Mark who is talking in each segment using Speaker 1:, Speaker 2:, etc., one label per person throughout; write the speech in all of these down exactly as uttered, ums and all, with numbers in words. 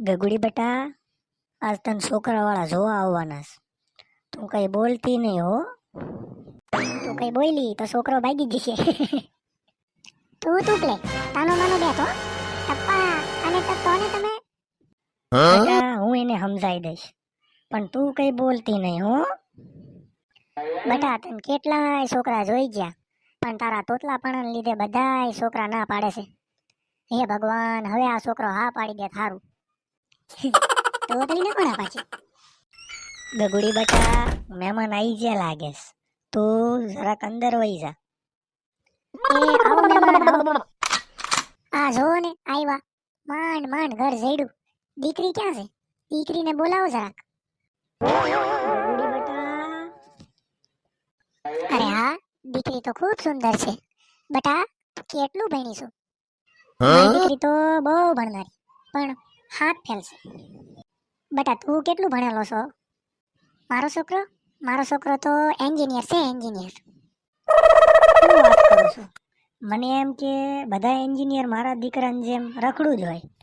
Speaker 1: ગગુડી બેટા, આજ તને છોકરા વાળા જોવા આવવાના છે. તું કઈ બોલતી નહીં હો.
Speaker 2: તું કઈ બોલી તો છોકરો ભાગી જશે. તું તું પ્લે તાનો માનો બેઠો ટપ્પા અને ટપ્પો ને તમે.
Speaker 1: બેટા હું એને સમજાઈ દઈશ, પણ તું કઈ બોલતી નહીં હો.
Speaker 2: બેટા તને કેટલાય છોકરા જોઈ ગયા, પણ તારા તોતલાપણાને લીધે બધાય છોકરા ના પાડે છે. હે ભગવાન, હવે આ છોકરો હા પાડી દે થારું. તોતલી ને કોના પાછી.
Speaker 1: ગગુડી બેટા, મહેમાન આવી ગયા લાગે છે. તું જરાક અંદર વહી જા.
Speaker 2: એ આવો મહેમાન આવો. આ જો ને આવ્યા, માંડ માંડ ઘર જઈડું. દીકરી ક્યાં છે? દીકરીને બોલાવો જરાક.
Speaker 1: ગગુડી બેટા,
Speaker 2: અરે હા, દીકરી તો ખૂબ સુંદર છે. બેટા તું કેટલું ભણી છું? દીકરી તો બહુ ભણનારી, પણ હાથ ફેલ છે. બેટા તું કેટલું ભણેલો છો? મારો છોકરો મારો છોકરો તો એન્જિનિયર છે, એન્જિનિયર.
Speaker 1: શું વાત કરું છું? મને એમ કે બધા એન્જિનિયર મારા દીકરાની જેમ રખડું જ હોય.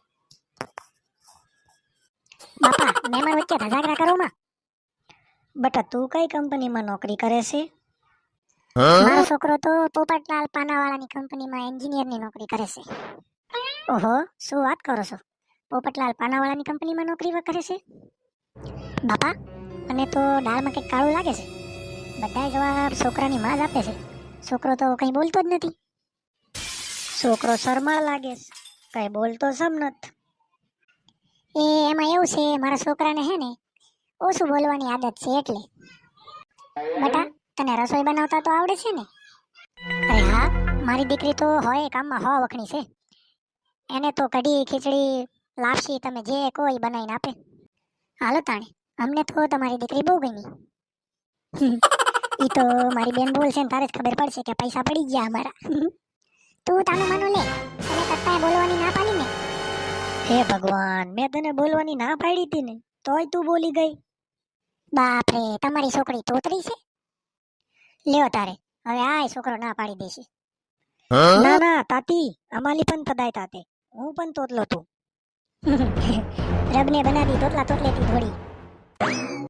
Speaker 2: બાપા મહેમાન વચ્ચે ધજાગરા કરો માં.
Speaker 1: બેટા તું કઈ કંપનીમાં નોકરી કરે છે?
Speaker 2: મારો છોકરો તો પોપટલાલ પાનાવાળાની કંપનીમાં એન્જિનિયરની નોકરી કરે છે. ઓહો, શું વાત કરો છો? પોપટલાલ પાનાવાળાની કંપનીમાં નોકરી કરે છે? બાપા મને તો દાળમાં કંઈક કાળું લાગે છે. બધા જવાબ છોકરાની માં જ આપે છે. છોકરો તો કંઈ બોલતો જ નથી.
Speaker 1: છોકરો શરમાળ લાગે છે, કઈ બોલતો સમ નથ.
Speaker 2: એ એમાં એવું છે, મારા છોકરાને હે ને ઓછું બોલવાની આદત છે એટલે. બેટા તને રસોઈ બનાવતા તો આવડે છે ને? અરે હા, મારી દીકરી તો હોય કામમાં હો વખણી છે. એને તો કઢી ખીચડી લાપસી તમે જે કોઈ બનાવીને આપે. હાલો તાણે, અમને તો તમારી દીકરી બહુ ગમી. ઈ તો મારી બેન બોલ છે ને તારે જ ખબર પડશે કે પૈસા પડી ગયા અમારા. તું તાનું માનું લે, તને કત્તાએ બોલવાની ના પાડી ને.
Speaker 1: હે ભગવાન, મેં તને બોલવાની ના પાડી હતી ને, તોય તું બોલી ગઈ.
Speaker 2: બાપ રે, તમારી છોકરી તોતરી છે. લ્યો તારે, હવે આય છોકરો ના પાડી દેશે.
Speaker 1: ના ના તાતી, અમાલી પણ તદાય તાતે, હું પણ તોતલો તું.
Speaker 2: રબને બનાવી તોતલા તોતલેથી થોડી.